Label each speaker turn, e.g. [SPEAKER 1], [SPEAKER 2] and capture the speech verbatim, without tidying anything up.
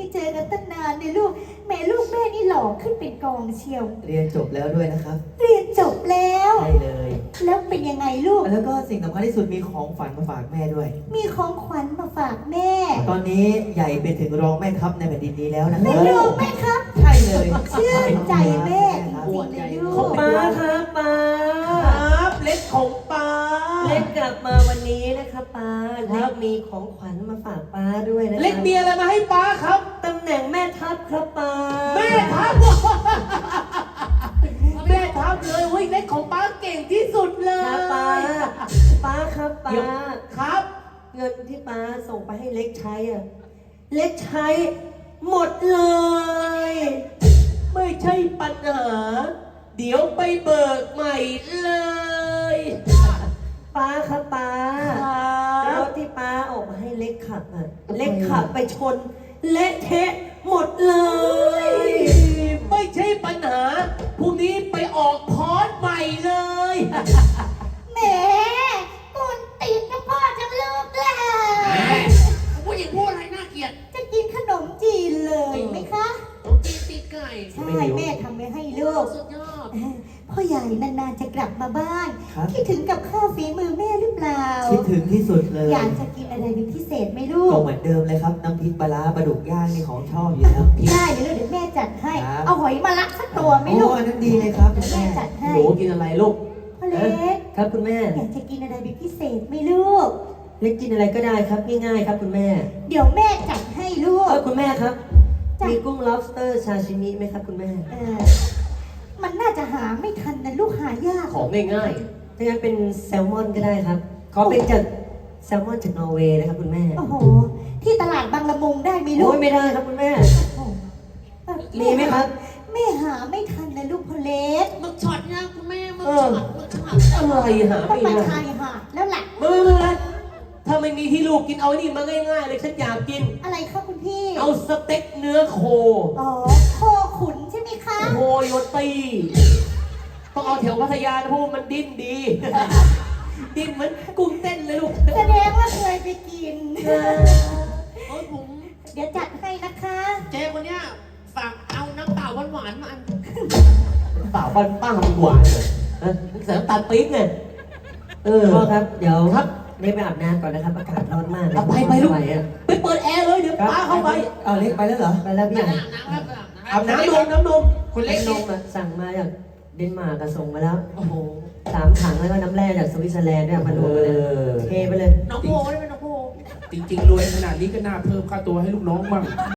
[SPEAKER 1] เจอกันตั้งนานเนี่ยลูกแม่ลูกแม่นี่หล่อขึ้นเป็นกองเชียว
[SPEAKER 2] เรียนจบแล้วด้วยนะครับ
[SPEAKER 1] เรียนจบแล้ว
[SPEAKER 2] ใช่เลย
[SPEAKER 1] แล้วเป็นยังไงลูก
[SPEAKER 2] แล้วก็สิ่งสำคัญที่สุดมีของฝันมาฝากแม่ด้วย
[SPEAKER 1] มีของขวัญมาฝากแม่
[SPEAKER 2] ตอนนี้ใหญ่เป็นถึงรองแม่ทัพในแผ่นดินนี้แล้วนะค
[SPEAKER 1] ไม่
[SPEAKER 2] รับ
[SPEAKER 1] รู้ไหมครับ
[SPEAKER 2] ใช่เลย
[SPEAKER 1] เชื่อใจแม่จริงๆเลยลูก
[SPEAKER 3] ป้าครับป้า
[SPEAKER 4] ครับเล็กของป้า
[SPEAKER 3] เล็กกลับมาวันนี้นะครับป้าเล็กมีของขวัญมาฝากป้าด้วยนะ
[SPEAKER 4] เล็กมีอะไรมาให้ป้าครับ
[SPEAKER 3] ตำแหน่งแม่ทัพครับป้า
[SPEAKER 4] แม่ทัพแม่ทัพเลยเว้ยเล็กของป้าเก่งที่สุดเล
[SPEAKER 3] ครับป้าย ป้าครับป้า
[SPEAKER 4] ครับ
[SPEAKER 3] เงินที่ป้าส่งไปให้เล็กใช้อ่ะเล็กใช้หมดเลย
[SPEAKER 4] ไม่ใช่ปัญหา เดี๋ยวไปเบิกใหม่เลย
[SPEAKER 3] ป้าครับป้า
[SPEAKER 4] ค
[SPEAKER 3] ร
[SPEAKER 4] รับ
[SPEAKER 3] ถที่ป้าออกมาให้เล็กขับอ่ะเล็กขับไปชนเละเทะหมดเลย
[SPEAKER 4] ไม่ใช่ปัญหาพรุ่งนี้ไปออกพอร์ตใหม่เลย
[SPEAKER 1] แหมกุนตีนกับพ่อจังลูกเลย
[SPEAKER 4] ผู้หญิงพูดอะไรน่าเกลียด
[SPEAKER 1] จะกินขนมจีนเลยไหมคะ
[SPEAKER 4] ผมตีตีไก่
[SPEAKER 1] ใช่แม่ทำไว้ให้ลูก
[SPEAKER 4] สุดยอด
[SPEAKER 1] พ่อใหญ่นานๆจะกลับมาบ้าน
[SPEAKER 2] ครับ
[SPEAKER 1] คิดถึงกับข้าวฝีมือแม่หรือเปล่า
[SPEAKER 2] คิดถึงที่สุดเลย
[SPEAKER 1] อยากจะกินอะไรเป็นพิเศษไหมลู
[SPEAKER 2] ก็
[SPEAKER 1] ก
[SPEAKER 2] เหมือนเดิมเลยครับน้ำพริกปลาร้าปลาดุกย่างนี่ของชอบอยู่แล้ว
[SPEAKER 1] ได้เดี๋ยวเดี๋ยวแม่จัดให้
[SPEAKER 2] ครับ
[SPEAKER 1] เอาหอยมาละสักตัวไหม
[SPEAKER 2] โอ้
[SPEAKER 1] ลูก
[SPEAKER 2] อันนั้นดีเลยครับ
[SPEAKER 1] เดี๋ยวแม่
[SPEAKER 2] แม่
[SPEAKER 1] จัดให้
[SPEAKER 4] หนูกินอะไรลูก
[SPEAKER 1] พ่อเล็ก
[SPEAKER 3] ครับคุณแม่
[SPEAKER 1] อยากจะกินอะไรเป็นพิเศษไหมลูก
[SPEAKER 3] เล็กกินอะไรก็ได้ครับง่ายๆครับคุณแม่
[SPEAKER 1] เดี๋ยวแม่จัดให้ลู
[SPEAKER 3] เอก อคุณแม่ครับ
[SPEAKER 1] จ้ะ
[SPEAKER 3] มีกุ้ง lobster ซาชิมิไหมครับคุณแม่
[SPEAKER 1] เออมันน่าจะหาไม่ทันนะลูกหายาก
[SPEAKER 4] ของง่าย
[SPEAKER 3] ถ้างั้นเป็นแซลมอนก็ได้ครับขอเป็นจากแซลมอนจากนอร์เวย์นะครับคุณแม่
[SPEAKER 1] โอ้โห ที่ตลาดบางละมุงได้ไหมลู
[SPEAKER 3] โอ้
[SPEAKER 1] ก
[SPEAKER 3] ยไม่ได้ครับคุณแม่
[SPEAKER 1] โอ้โห
[SPEAKER 3] มีไหมครับ
[SPEAKER 1] แม่หาไม่ทันนะลูกพ่อเล็ก
[SPEAKER 5] หมึกช็อตเนี่ยคุณแม่หมึก
[SPEAKER 3] เอ
[SPEAKER 5] ช็
[SPEAKER 3] อ
[SPEAKER 5] อตหมึกช็อต
[SPEAKER 4] ๆอะไรหา
[SPEAKER 1] ต้อ
[SPEAKER 4] ไม่
[SPEAKER 1] งไป
[SPEAKER 4] ได้
[SPEAKER 1] ชายหาดแล้วแหละ
[SPEAKER 4] ไม่ไม่ไม่ถ้าไม่มีที่ลูกกินเอาไอ้นี่มาง่ายๆเลยฉันอยากกิน
[SPEAKER 1] อะไรคะคุณพี่
[SPEAKER 4] เอาสเต็กเนื้อโค
[SPEAKER 1] อ๋อโคขุนใช่ไหมคะ
[SPEAKER 4] โคโยตีต้องเอาแถวพัทยานะเพราะว่ามันดิ้นดี ดิ้นเหมือนกุ้งเต้นเลยลูก
[SPEAKER 1] แสดงว่าเคยไปกิน
[SPEAKER 5] โอ้ยผม
[SPEAKER 1] เดี๋ยวจัดให้นะคะ
[SPEAKER 5] เจ๊คนเนี้ยฝากเอาน้ำเปล่าหวานๆมาอัน
[SPEAKER 4] เปล่าบ้านป้ามันหวานเลยนะเสริมตาลปี๊บไงเออ
[SPEAKER 3] พ่อครับ เดี๋ยว
[SPEAKER 4] ครับ
[SPEAKER 3] เล็กไปอาบน้ำก่อนนะครับ อากาศร้อนมาก
[SPEAKER 4] เอาไปไปลูก
[SPEAKER 3] ม่หวอะ
[SPEAKER 4] ไปเปิดแอร์เลยเดี๋ยวป้าเข้าไป
[SPEAKER 2] เอาเล็กไปแล้วเหรอ
[SPEAKER 3] ไปแล้วพี่
[SPEAKER 5] ไป
[SPEAKER 3] ใหญ่
[SPEAKER 5] อาบน้ำครับอาบน้ำ
[SPEAKER 4] อาบน้ำนมน้ำนม
[SPEAKER 5] คุณเล็ก
[SPEAKER 3] น
[SPEAKER 5] นี่
[SPEAKER 3] มอะสั่งมาจากเดนมาร์กอะส่งมาแล้ว
[SPEAKER 4] โอ้โห
[SPEAKER 3] สามถังแล้วก็น้ำแร่จากสวิตเซอร์แลนด์ด้วยมารวมกันเลย
[SPEAKER 4] เออ
[SPEAKER 3] เทไปเลย
[SPEAKER 5] น้องโพได้เป็นน้องโพ
[SPEAKER 6] จริงๆ รวยขนาดนี้ก็น่าเพิ่มค่าตัวให้ลูกน้องมั่ง